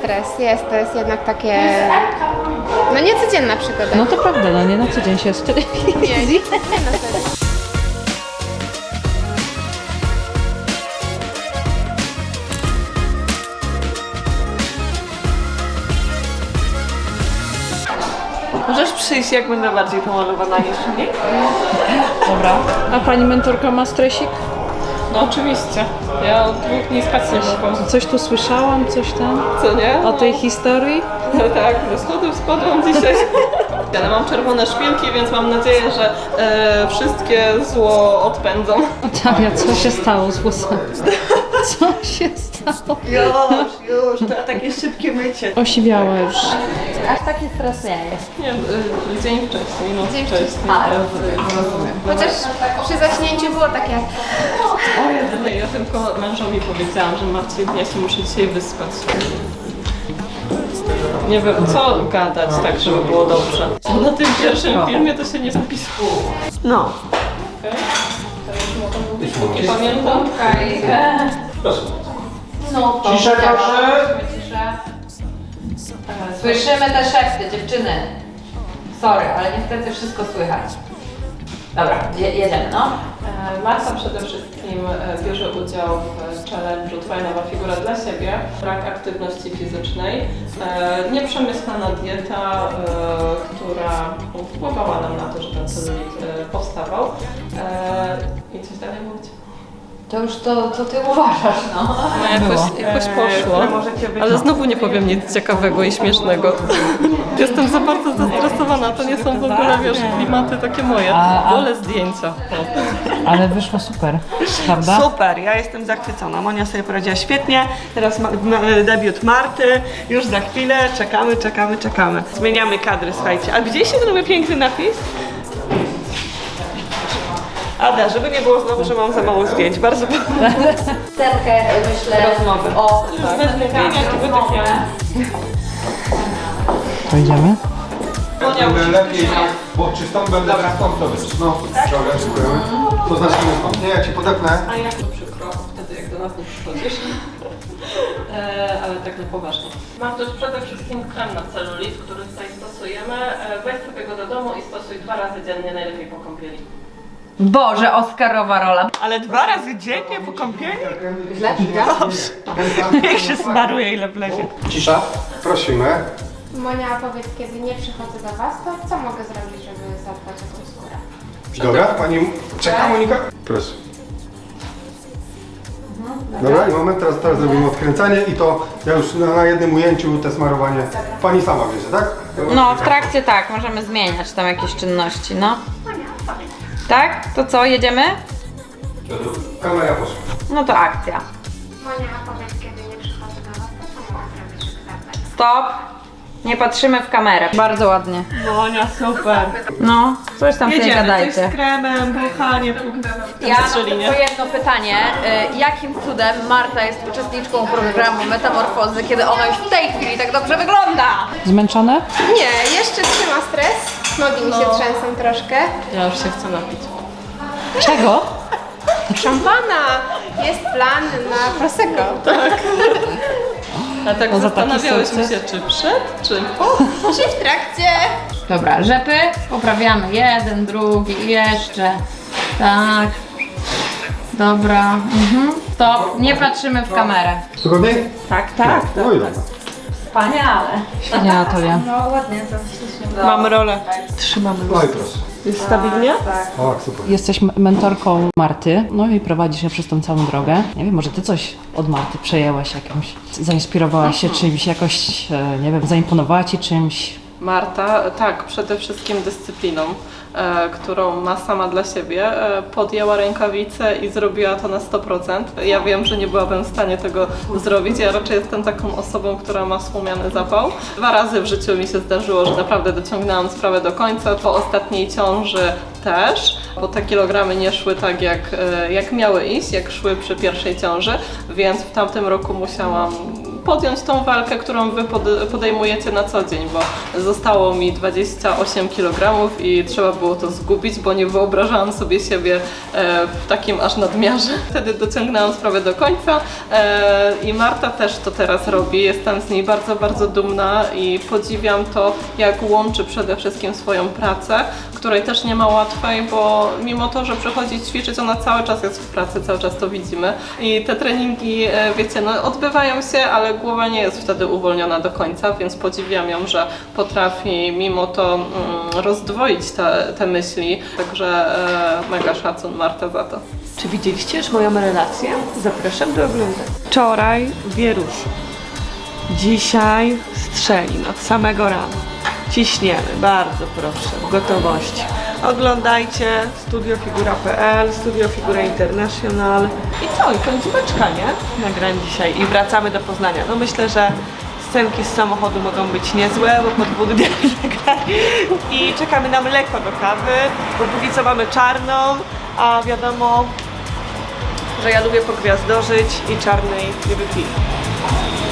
stres, jest, to jest jednak takie, no niecodzienna przygoda. No to prawda, no nie na co dzień się jest w telewizji. Nie na serio. Możesz przyjść, jak będę bardziej pomalowana niż nie? Dobra. A pani mentorka ma stresik? No oczywiście. Ja od 2 dni spać nie mogłam. Coś tu słyszałam, coś tam? Co nie? O tej historii? No tak, ze schodów spadłam dzisiaj. Ale mam czerwone szpilki, więc mam nadzieję, że wszystkie zło odpędzą. Talia, co się stało z włosami? Co się stało? Już, to takie szybkie mycie. Osiwiała już. Aż taki stres nie jest. Nie, dzień wcześniej, noc Dzień wcześniej. A, rozumiem. Chociaż przy zaśnięciu było takie, Ja tylko mężowi powiedziałam, że Marcin, ja się muszę dzisiaj wyspać. Nie wiem, co gadać tak, żeby było dobrze. Na tym pierwszym filmie to się nie zapisało. No. Nie pamiętam. No to Ciszę, proszę. Ciszę. Słyszymy te szepty, dziewczyny. Sorry, ale niestety wszystko słychać. Dobra, jedziemy, no. Marta przede wszystkim bierze udział w challenge'u Twoja nowa figura dla siebie. Brak aktywności fizycznej, nieprzemyślana dieta, która wpływała nam na to, że ten celulit powstawał. I coś dalej mówić? To już to, co ty uważasz, no. Jakoś poszło, ale znowu nie powiem nic ciekawego i śmiesznego. Jestem za bardzo zestresowana, to nie są w ogóle, wiesz, klimaty takie moje. Wolę zdjęcia. Ale wyszło super, prawda? Super, ja jestem zachwycona. Monia sobie poradziła świetnie. Teraz debiut Marty. Już za chwilę. Czekamy. Zmieniamy kadry, słuchajcie. A widzieliście ten mój piękny napis? Ada, żeby nie było znowu, że mam za mało zdjęć. Bardzo Scenkę, myślę, Rozmowy. o To idziemy? Będę lepiej, bo czystą będę stąd to być. No, dobra, dziękujemy. To znaczy stąd. Nie, ja cię podepnę. A jak to przykro, wtedy jak do nas nie przychodzisz. Ale tak na poważnie. Mam też przede wszystkim krem na celulit, który tutaj stosujemy. Weź sobie go do domu i stosuj 2 razy dziennie, najlepiej po kąpieli. Boże, Oscarowa rola. Ale 2 razy dziennie po kąpieli? Dobrze. Niech się smaruje ile wlezie. Cisza, prosimy. Monia, powiedz, kiedy nie przychodzę do was, to co mogę zrobić, żeby zadbać o tą skórę? Dobra, pani czeka, Monika? Proszę. Dobra, i moment, teraz zrobimy odkręcanie i to ja już na jednym ujęciu te smarowanie pani sama bierze, tak? No, w trakcie tak, możemy zmieniać tam jakieś czynności, no. Tak? To co, jedziemy? Kamera poszła. No to akcja. Monia, powiedz, kiedy nie przychodzę do was, to co mogę zrobić, żeby zadbać? Stop. Nie patrzymy w kamerę. Bardzo ładnie. Monia, super. No, coś tam sobie Jedziemy, coś gadajcie. z kremem, buchanie. Ja mam tylko jedno pytanie. Jakim cudem Marta jest uczestniczką programu Metamorfozy, kiedy ona już w tej chwili tak dobrze wygląda? Zmęczone? Nie, jeszcze trzyma stres, nogi mi się trzęsą troszkę. Ja już się chcę napić. Czego? Szampana! Jest plan na Prosecco. A tak No za taki zastanawiałyśmy sukces. się, czy przed, czy po. Czy w trakcie? Dobra, rzepy poprawiamy. Jeden, drugi i jeszcze. Tak. Dobra. Stop. Nie patrzymy w kamerę. Wygodniej? Tak. No i dobra. Wspaniale. Nie, Natalia. No ładnie, to ślicznie. Mam rolę. Trzymamy. No i proszę. Jest stabilnie? O, super. Jesteś mentorką Marty, no i prowadzisz ją przez tą całą drogę. Nie wiem, może ty coś od Marty przejęłaś jakimś, zainspirowałaś się czymś, jakoś, nie wiem, zaimponowała ci czymś? Marta, tak, przede wszystkim dyscypliną, którą ma sama dla siebie, podjęła rękawice i zrobiła to na 100%. Ja wiem, że nie byłabym w stanie tego zrobić. Ja raczej jestem taką osobą, która ma słomiany zapał. 2 razy w życiu mi się zdarzyło, że naprawdę dociągnęłam sprawę do końca. Po ostatniej ciąży też, bo te kilogramy nie szły tak jak miały iść, jak szły przy pierwszej ciąży, więc w tamtym roku musiałam podjąć tą walkę, którą wy podejmujecie na co dzień, bo zostało mi 28 kg i trzeba było to zgubić, bo nie wyobrażałam sobie siebie w takim aż nadmiarze. Wtedy dociągnęłam sprawę do końca i Marta też to teraz robi. Jestem z niej bardzo, bardzo dumna i podziwiam to, jak łączy przede wszystkim swoją pracę, której też nie ma łatwej, bo mimo to, że przychodzi ćwiczyć, ona cały czas jest w pracy, cały czas to widzimy. I te treningi, wiecie, no odbywają się, ale głowa nie jest wtedy uwolniona do końca, więc podziwiam ją, że potrafi mimo to rozdwoić te myśli. Także mega szacun Marta za to. Czy widzieliście już moją relację? Zapraszam do oglądania. Wczoraj wierusz. Dzisiaj Strzelin od samego rana. Ciśniemy, bardzo proszę, w gotowości. Oglądajcie studiofigura.pl, Studio Figura International. I co? I końcóweczka, nie? Nagrań dzisiaj i wracamy do Poznania. No myślę, że scenki z samochodu mogą być niezłe, bo po 2 dniach nagrań. I czekamy na mleko do kawy, bo póki co mamy czarną, a wiadomo, że ja lubię pogwiazdorzyć i czarnej nie wypiję.